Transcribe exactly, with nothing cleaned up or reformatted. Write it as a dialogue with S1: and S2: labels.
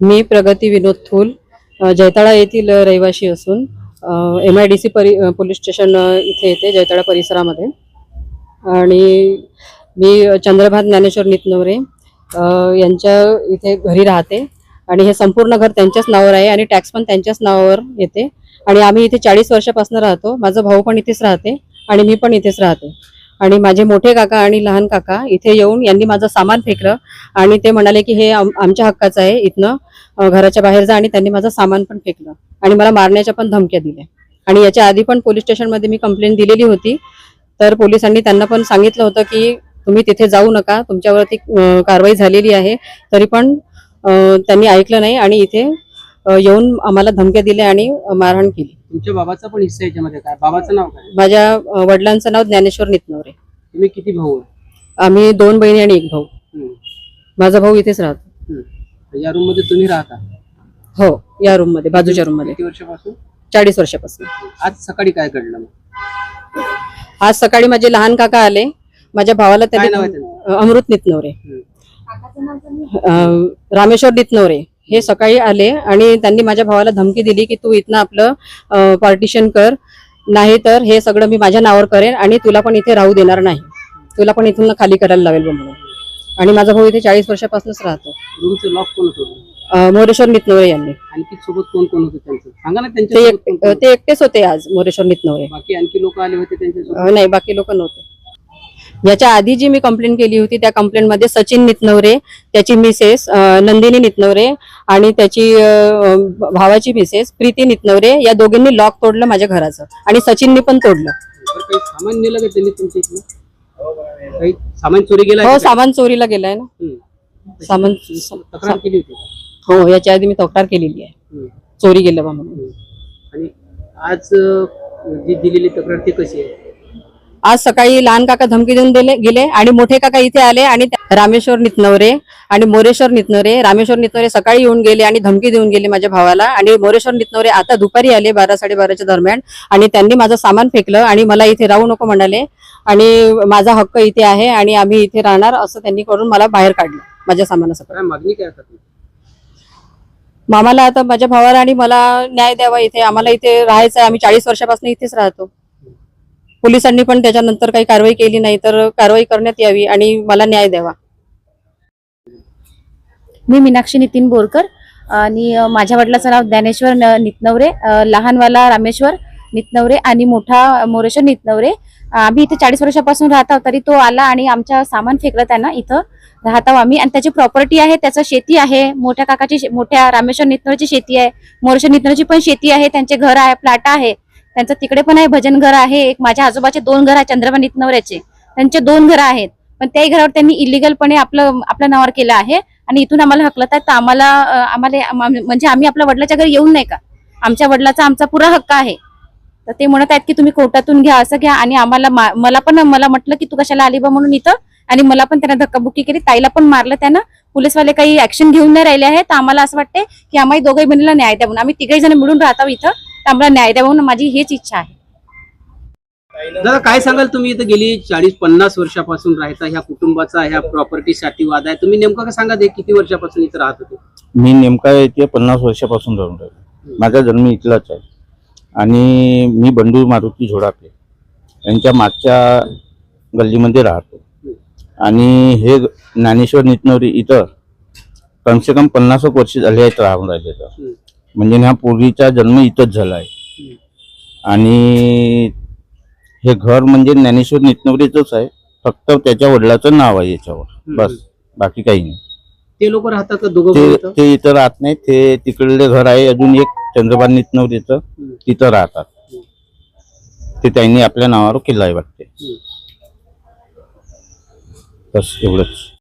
S1: मी प्रगती विनोद थूल अ, जैताळा येथील रहिवासी असून एम आय डी सी परि अ, पोलीस स्टेशन अ, इथे येते जैताळा परिसरामध्ये. आणि मी चंद्रभान ज्ञानेश्वर नितनवरे अ, यांच्या इथे घरी राहते आणि हे संपूर्ण घर त्यांच्याच नावावर आहे आणि टॅक्स पण त्यांच्याच नावावर येते. आणि आम्ही इथे चाळीस वर्षापासून राहतो. माझा भाऊ पण इथेच राहते आणि मी पण इथेच राहते. आणि माझे मोठे काका आणि लहान काका इथे येऊन यांनी माझं सामान फेकलं आणि ते म्हणाले की हे आम आमच्या हक्काचं आहे, इथनं अ, घराच्या बाहेर जा. आणि त्यांनी माझं सामान पण फेकलं आणि मला मारण्याच्या पण धमक्या दिल्या. आणि याच्या आधी पण पोलीस स्टेशनमध्ये मी कंप्लेंट दिलेली होती. तर पोलिसांनी त्यांना पण सांगितलं होतं की तुम्ही तिथे जाऊ नका, तुमच्यावरती अ, कारवाई झालेली आहे. तरी पण अ, त्यांनी ऐकलं नाही आणि इथे अ, येऊन आम्हाला धमक्या दिल्या आणि मारहाण केली.
S2: तुमच्या बाबाचा पण हिस्सा याच्यामध्ये काय? बाबाचं नाव काय?
S1: माझ्या अ, वडिलांचं नाव ज्ञानेश्वर नितनवरे.
S2: तुम्ही किती भाऊ आहे?
S1: आम्ही दोन बहिणी आणि एक भाऊ.
S2: हम्म,
S1: माझा भाऊ इथेच राहतो.
S2: हम्म. या रूम मध्ये तुम्ही राहता?
S1: हो, या रूम मध्ये, बाजूच्या रूम मध्ये.
S2: किती वर्षापासून?
S1: चाळीस वर्षापासून.
S2: आज सकाळी काय घडलं मग?
S1: आज सकाळी माझे लहान काका आले. माझ्या भावाला
S2: काय नाव आहे
S1: त्यांनी
S2: त्यांचं?
S1: अ, अमृत नितनवरे,
S2: हम्म.
S1: अ, रामेश्वर नितनवरे हे सकाळी आले आणि त्यांनी माझ्या भावाला धमकी दिली की तू इथनं आपलं पार्टिशन कर, नाही तर हे सगळं मी माझ्या नावावर करेन आणि तुला पण इथे राहू देणार नाही, तुला पण इथून खाली करायला लावेल म्हणून. आणि माझा भाऊ इथे चाळीस वर्षापासूनच राहतो.
S2: रूमचं लॉक कोण होतं?
S1: अ, मोरेश्वर नितनवरे यांनी.
S2: आणखी सोबत कोण कोण होतं त्यांचं? सांगा ना
S1: ते
S2: त्यांच्या
S1: एक- ते एकटेच होते आज, मोरेश्वर नितनवरे.
S2: बाकी आणखी लोक आले होते त्यांच्या?
S1: अ, नाही, बाकी लोक नव्हते. याच्या आधी जी मी कंप्लेंट केली होती त्या कंप्लेंट मध्ये सचिन नितनवरे, त्याची मिसेस अ, नंदिनी नितनवरे आणि त्याची अ, भावाची मिसेस प्रीती नितनवरे या दोघींनी लॉक तोडलं माझ्या घराचं आणि सचिननी पण तोडलं.
S2: काही सामान नेलं का त्यांनी तुमच्या इथलं? काही सामान चोरी गेला?
S1: हो, सामान चोरीला गेलाय ना.
S2: हम्म.
S1: सामान
S2: तक्रार केली होती?
S1: हो, याच्या आधी मी तक्रार केलेली आहे,
S2: हम्म.
S1: चोरी गेलं बा म्हणून.
S2: हम्म. आणि आज अं, जी दिलेली तक्रार ती कशी आहे?
S1: आज सकाळी लहान काका धमकी देऊन दिले गेले आणि मोठे काका इथे आले आणि त्या- रामेश्वर नितनवरे आणि मोरेश्वर नितनवरे रामेश्वर नितनवरे सकाळी येऊन गेले आणि धमकी देऊन गेले माझ्या भावाला. आणि मोरेश्वर नितनवरे आता दुपारी आले बारा साडेबाराच्या दरम्यान आणि त्यांनी माझं सामान फेकलं आणि मला इथे राहू नको म्हणाले आणि माझा हक्क इथे आहे आणि आम्ही इथे राहणार असं त्यांनी करून मला बाहेर काढलं माझ्या सामानासकट.
S2: काय मागणी काय करतात?
S1: मामाला आता माझ्या भावाला आणि मला न्याय द्यावा. इथे आम्हाला इथे राहायचं आहे, आम्ही चाळीस वर्षापासून इथेच राहतो. पोलिसांनी पण त्याच्यानंतर काही कारवाई केली नाही, तर कारवाई करण्यात यावी आणि मला न्याय द्यावा.
S3: मी मीनाक्षी नितीन बोरकर आणि अ, माझ्या वडिलाचं नाव ज्ञानेश्वर न- नितनवरे, अ, लहानवाला रामेश्वर नितनवरे आणि मोठा मोरेश्वर नितनवरे. आम्ही इथे चाळीस वर्षापासून राहत आहोत. तरी तो आला आणि आमच्या सामान फेकलं त्यांना. इथं राहत आहोत आम्ही आणि त्याची प्रॉपर्टी आहे, त्याचं शेती आहे, मोठ्या काकाची शे- मोठ्या रामेश्वर नितनवरची शेती आहे, मोरेश्वर नितनवरची पण शेती आहे, त्यांचे घर आहे, प्लॅट आहे, त्यांचं तिकडे पण आहे, भजन घर आहे. एक माझ्या आजोबाचे दोन घर आहेत, चंद्रभान नितनवऱ्याचे त्यांचे दोन घर आहेत. पण त्याही घरावर त्यांनी इलिगलपणे आपलं आपल्या नावावर केलं आहे आणि इथून आम्हाला हकलत आहेत. तर आम्हाला अ, आम्हाला आम- म्हणजे आम्ही आपल्या वडिलाच्या घरी येऊन नाही का, आमच्या वडिलाचा आमचा पुरा हक्क आहे. तर ते म्हणत आहेत की तुम्ही कोर्टातून घ्या, असं घ्या. आणि आम्हाला मा- मला पण मला म्हटलं की तू कशाला आली बा म्हणून इथं, आणि मला पण त्यांना धक्काबुक्की केली, ताईला पण मारलं त्यानं. पोलीसवाले काही ऍक्शन घेऊन नाही राहिले आहेत. तर आम्हाला असं वाटते की आम्हाला दोघही बहिणीला न्याय द्या म्हणून. आम्ही तिघही जण मिळून राहतो इथं, तर आम्हाला न्याय द्या म्हणून माझी हीच इच्छा आहे.
S2: दादा काय सांगाल? तुम्ही इथं गेली चाळीस पन्नास वर्षापासून राहता, ह्या कुटुंबाचा ह्या प्रॉपर्टीसाठी वाद आहे. तुम्ही नेमकं काय सांगा, ते किती वर्षापासून इथं राहत होते?
S4: मी नेमका इथे पन्नास वर्षापासून राहून राहिलो. माझा जन्म इथलाच आहे आणि मी बंडू मारुती झोडापे यांच्या मागच्या गल्लीमध्ये राहतो. आणि हे ज्ञानेश्वर नितनवरे इथं कमसे कम पन्नास वर्ष झाले आहेत राहून राहिले. तर म्हणजे ह्या पूर्वीचा जन्म इथंच झाला आहे. आणि हे घर म्हणजे ज्ञानेश्वर नितनवरेचंच आहे, फक्त त्याच्या वडिलाचं नाव आहे याच्यावर, बस, बाकी काही नाही.
S2: ते लोक राहतात का दोघं
S4: ते
S2: भाऊ इथं?
S4: ते इथं राहत नाही. ते तिकडले घर आहे अजून एक चंद्रभान नितनवरेचं, तिथं राहतात. ते त्यांनी आपल्या नावावर केलं आहे वाटते. बस एवढंच.